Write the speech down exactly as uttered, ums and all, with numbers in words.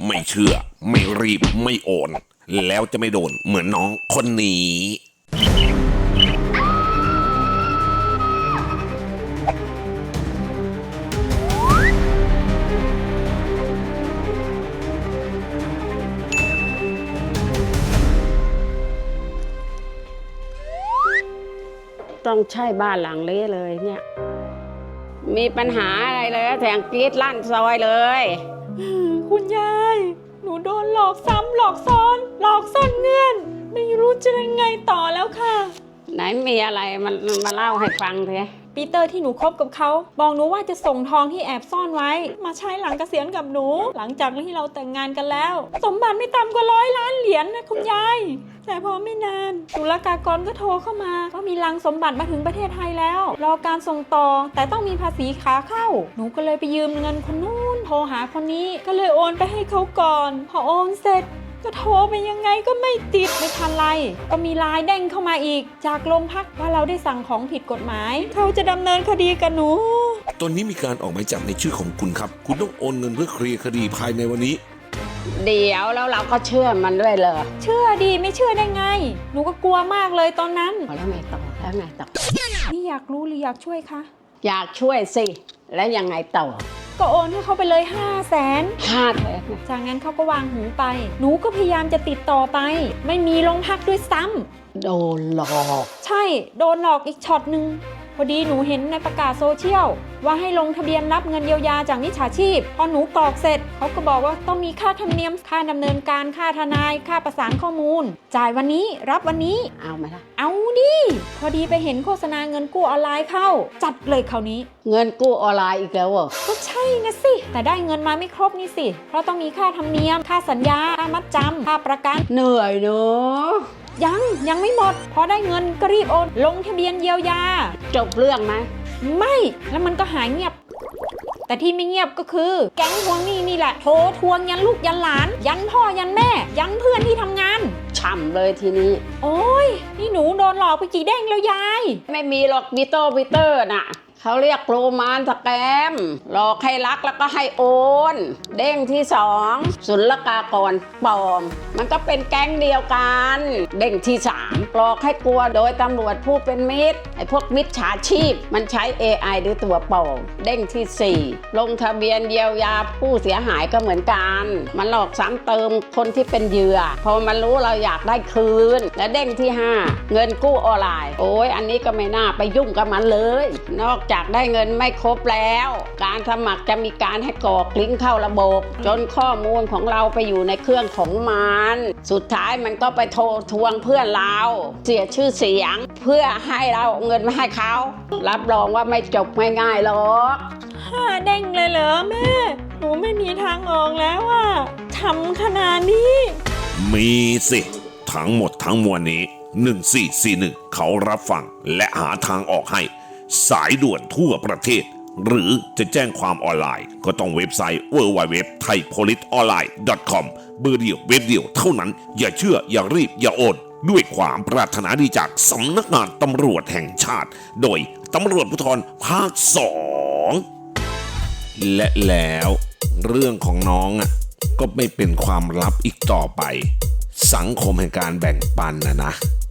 ไม่เชื่อไม่รีบไม่โอนแล้วจะไม่โดนเหมือนน้องคนนี้ต้องใช่บ้านหลังเละเลยเนี่ยมีปัญหาอะไรเลยแถงกรีดลั่นซอยเลยคุณยายหนูโดนหลอกซ้ำหลอกซ้อนหลอกซ่อนเงื่อนไม่รู้จะยังไงต่อแล้วค่ะไหนมีอะไรมันมาเล่าให้ฟังเถอะปีเตอร์ที่หนูคบกับเขาบอกหนูว่าจะส่งทองที่แอบซ่อนไว้มาใช้หลังเกษียณกับหนูหลังจากที่เราแต่งงานกันแล้วสมบัติไม่ต่ำกว่าร้อยล้านเหรียญ นะคุณยายแต่พอไม่นานศุลกากรก็โทรเข้ามาว่ามีลังสมบัติมาถึงประเทศไทยแล้วรอการส่งต่อแต่ต้องมีภาษีขาเข้าหนูก็เลยไปยืมเงินคนนู้นโทรหาคนนี้ก็เลยโอนไปให้เขาก่อนพอโอนเสร็จก็โทรไปยังไงก็ไม่ติดไม่ทันไรก็มีไลน์เด้งเข้ามาอีกจากโรงพักว่าเราได้สั่งของผิดกฎหมายเขาจะดำเนินคดีกับหนูตอนนี้มีการออกหมายจับในชื่อของคุณครับคุณต้องโอนเงินเพื่อเคลียร์คดีภายในวันนี้เดี๋ยวแล้วเราก็เชื่อมันด้วยเลยเชื่อดีไม่เชื่อได้ไงหนูก็กลัวมากเลยตอนนั้นแล้วไงต่อแล้วไงต่อนี่อยากรู้หรืออยากช่วยคะอยากช่วยสิแล้วยังไงต่อก็โอนให้เขาไปเลยห้าแสนห้าแสนจากนั้นเขาก็วางหูไปหนูก็พยายามจะติดต่อไปไม่มีโรงพักด้วยซ้ำโดนหลอกใช่โดนหลอกอีกช็อตหนึ่งพอดีหนูเห็นในประกาศโซเชียลว่าให้ลงทะเบียนรับเงินเยียวยาจากมิจฉาชีพพอหนูกรอกเสร็จเขาก็บอกว่าต้องมีค่าธรรมเนียมค่าดำเนินการค่าทนายค่าประสานข้อมูลจ่ายวันนี้รับวันนี้เอาไหมล่ะเอาดิพอดีไปเห็นโฆษณาเงินกู้ออนไลน์เข้าจัดเลยคราวนี้เงินกู้ออนไลน์อีกแล้วเหรอก็ใช่นะสิแต่ได้เงินมาไม่ครบนี่สิเพราะต้องมีค่าธรรมเนียมค่าสัญญาค่ามัดจำค่าประกันเหนื่อยเนอะยังยังไม่หมดพอได้เงินก็รีบโอนลงทะเบียนเยียวยาจบเรื่องไหมไม่แล้วมันก็หายเงียบแต่ที่ไม่เงียบก็คือแก๊งทวงหนี้นี่แหละโทรทวงยันลูกยันหลานยันพ่อยันแม่ยันเพื่อนที่ทำงานฉ่ำเลยทีนี้โอ้ยนี่หนูโดนหลอกไปกี่เด้งแล้วยายไม่มีหรอกมิโต้มิเตอร์น่ะเขาเรียกโรมานสแกมหลอกให้รักแล้วก็ให้โอนเด้งที่สองศุลกากรปลอมมันก็เป็นแก๊งเดียวกันเด้งที่สามหลอกให้กลัวโดยตำรวจผู้เป็นมิตรไอ้พวกมิจฉาชีพมันใช้ เอ ไอ หรือตัวปลอมเด้งที่สี่ลงทะเบียนเยียวยาผู้เสียหายก็เหมือนกันมันหลอกซ้ำเติมคนที่เป็นเหยื่อพอมันรู้เราอยากได้คืนและเด้งที่ห้าเงินกู้ออนไลน์โอ้ยอันนี้ก็ไม่น่าไปยุ่งกับมันเลยนอกจากได้เงินไม่ครบแล้วการสมัครจะมีการให้กรอกลิงก์เข้าระบบจนข้อมูลของเราไปอยู่ในเครื่องของมันสุดท้ายมันก็ไปโทรทวงเพื่อนเราเสียชื่อเสียงเพื่อให้เราเงินมาให้เขารับรองว่าไม่จบง่ายๆหรอกห้าเด้งเลยเหรอแม่หนูไม่มีทางออกแล้วอะทำขนาดนี้มีสิทั้งหมดทั้งมวลนี้หนึ่งสี่สี่หนึ่งเขารับฟังและหาทางออกให้สายด่วนทั่วประเทศหรือจะแจ้งความออนไลน์ก็ต้องเว็บไซต์ ดับเบิลยู ดับเบิลยู ดับเบิลยู ดอท ไทยโพลิสออนไลน์ ดอท คอม เบอร์เดียวเว็บเดียวเท่านั้นอย่าเชื่ออย่ารีบอย่าโอนด้วยความปรารถนาดีจากสำนักงานตำรวจแห่งชาติโดยตำรวจภูธรภาคสองและแล้วเรื่องของน้องอ่ะก็ไม่เป็นความลับอีกต่อไปสังคมแห่งการแบ่งปันนะนะ